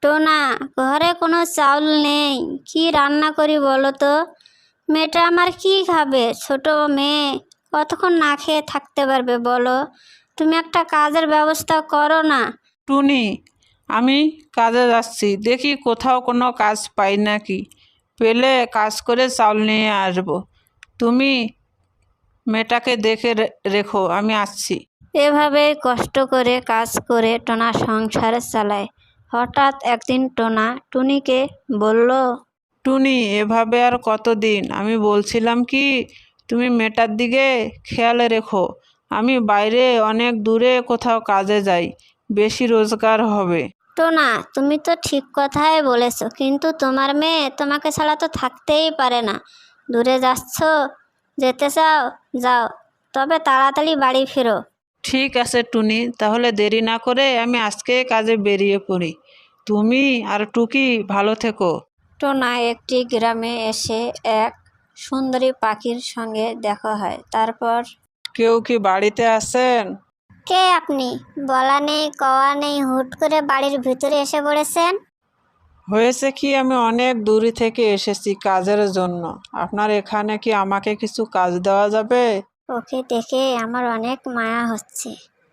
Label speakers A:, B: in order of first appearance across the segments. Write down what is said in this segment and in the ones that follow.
A: টোনা, ঘরে কোনো চাউল নেই, কি রান্না করি বলো তো? মেয়েটা আমার কি খাবে? ছোট মেয়ে, কতক্ষণ না খেয়ে থাকতে পারবে বলো? তুমি একটা কাজের ব্যবস্থা করো না।
B: টুনি, আমি কাজে যাচ্ছি, দেখি কোথাও কোনো কাজ পাই নাকি। পেলে কাজ করে চাউল নিয়ে আসবো। তুমি মেয়েটাকে দেখে রেখো, আমি আসছি।
A: এভাবেই কষ্ট করে কাজ করে টোনা সংসার চালায়। হঠাৎ একদিন টোনা টুনিকে বলল,
B: টুনি, এভাবে আর কতদিন? আমি বলছিলাম কি, তুমি মেয়েটার দিকে খেয়াল রেখো। আমি বাইরে অনেক দূরে কোথাও কাজে যাই, বেশি রোজগার হবে।
A: টোনা, তুমি তো ঠিক কথাই বলেছো, কিন্তু তোমার মেয়ে তোমাকে ছাড়া তো থাকতেই পারে না। দূরে যাচ্ছ, যেতে চাও যাও, তবে তাড়াতাড়ি বাড়ি ফেরো।
B: ঠিক আছে টুনি, তাহলে দেরি না করে আমি আজকে কাজে বেরিয়ে পড়ি। তুমি আর টুকি ভালো থেকো।
A: টোনা একটি গ্রামে এসে এক সুন্দরী পাখির সঙ্গে দেখা হয়। তারপর,
B: কেউ কি বাড়িতে আছেন?
A: কে আপনি? বলা নেই কওয়া নেই, হুট করে বাড়ির ভিতরে এসে পড়েছেন।
B: হয়েছে কি, আমি অনেক দূরে থেকে এসেছি কাজের জন্য। আপনার এখানে কি আমাকে কিছু কাজ দেওয়া যাবে?
A: ওকে দেখে আমার অনেক মায়া হচ্ছে,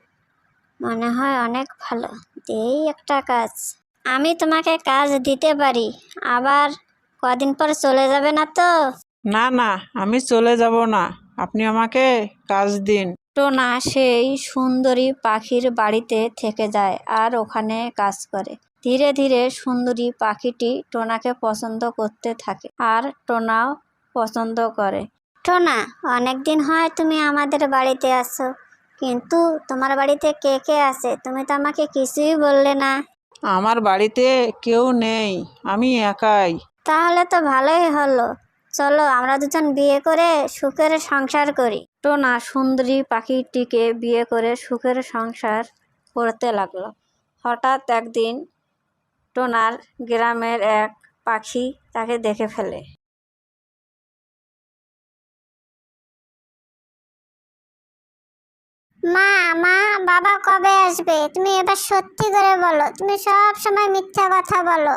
A: মনে হয় অনেক ভালো। এই একটা কাজ, আমি তোমাকে কাজ দিতে পারি, আবার কদিন পর চলে যাবে না তো?
B: না না, আমি চলে যাব না, আপনি আমাকে কাজ দিন।
A: টোনা সেই সুন্দরী পাখির বাড়িতে থেকে যায় আর ওখানে কাজ করে। ধীরে ধীরে সুন্দরী পাখিটি টোনাকে পছন্দ করতে থাকে আর টোনাও পছন্দ করে। টোনা, অনেকদিন হয় তুমি আমাদের বাড়িতে আসো, কিন্তু তোমার বাড়িতে কে কে আছে তুমি তো আমাকে কিছুই বললে না।
B: আমার বাড়িতে কেউ নেই, আমি একাই।
A: তাহলে তো ভালোই হলো, চলো আমরা দুজন বিয়ে করে সুখের সংসার করি। টোনা সুন্দরী পাখিটিকে বিয়ে করে সুখের সংসার করতে লাগলো। হঠাৎ একদিন টোনার গ্রামের এক পাখি তাকে দেখে ফেলে। মা, মা, বাবা কবে আসবে? তুমি এবার সত্যি করে বলো, তুমি সব সময় মিথ্যা কথা বলো।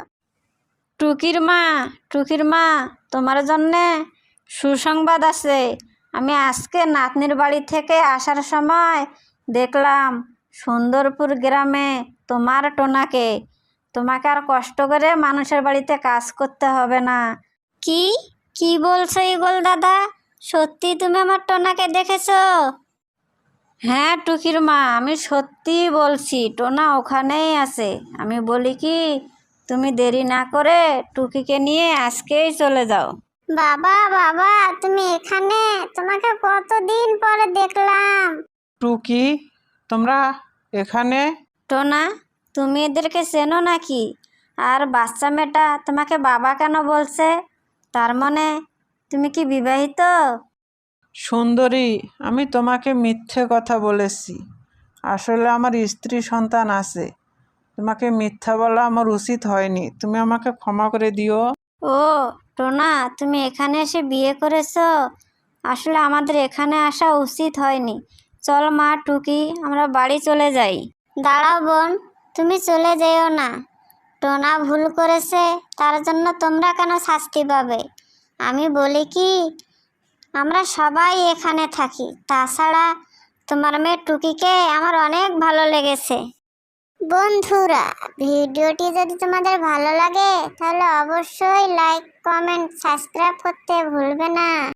A: টুকির মা, তোমার জন্যে সুসংবাদ আছে। আমি আজকে নাতনির বাড়ি থেকে আসার সময় দেখলাম সুন্দরপুর গ্রামে তোমার টোনাকে। তোমাকে আর কষ্ট করে মানুষের বাড়িতে কাজ করতে হবে না। কি কি বলছো ইগল দাদা? সত্যি তুমি আমার টোনাকে দেখেছো? হ্যাঁ টুকির মা, আমি সত্যিই বলছি, টোনা ওখানেই আছে। আমি বলি কি, তুমি দেরি না করে টুকিকে নিয়ে আজকেই চলে যাও। বাবা, বাবা, তুমি এখানে? তোমাকে কতদিন পরে দেখলাম।
B: টুকি, তোমরা এখানে?
A: টোনা, তুমি এদেরকে চেনো নাকি? আর বাচ্চা মেয়েটা তোমাকে বাবা কেন বলছে? তার মানে তুমি কি বিবাহিত?
B: সুন্দরী, আমি তোমাকে মিথ্যে কথা বলেছি। আসলে আমার স্ত্রী সন্তান আছে। তোমাকে মিথ্যা বলা আমার উচিত হয়নি, তুমি আমাকে ক্ষমা করে দিও।
A: ও টোনা, তুমি এখানে এসে বিয়ে করেছো? আসলে আমাদের এখানে আসা উচিত হয়নি। চল মা টুকি, আমরা বাড়ি চলে যাই। দাঁড়াও বোন, তুমি চলে যেও না। টোনা ভুল করেছে, তার জন্য তোমরা কেন শাস্তি পাবে? আমি বলি কি, আমরা সবাই এখানে থাকি। তাছাড়া তোমার মেয়ে টুকিকে আমার অনেক ভালো লেগেছে। বন্ধুরা, ভিডিওটি যদি তোমাদের ভালো লাগে তাহলে অবশ্যই লাইক, কমেন্ট, সাবস্ক্রাইব করতে ভুলবে না।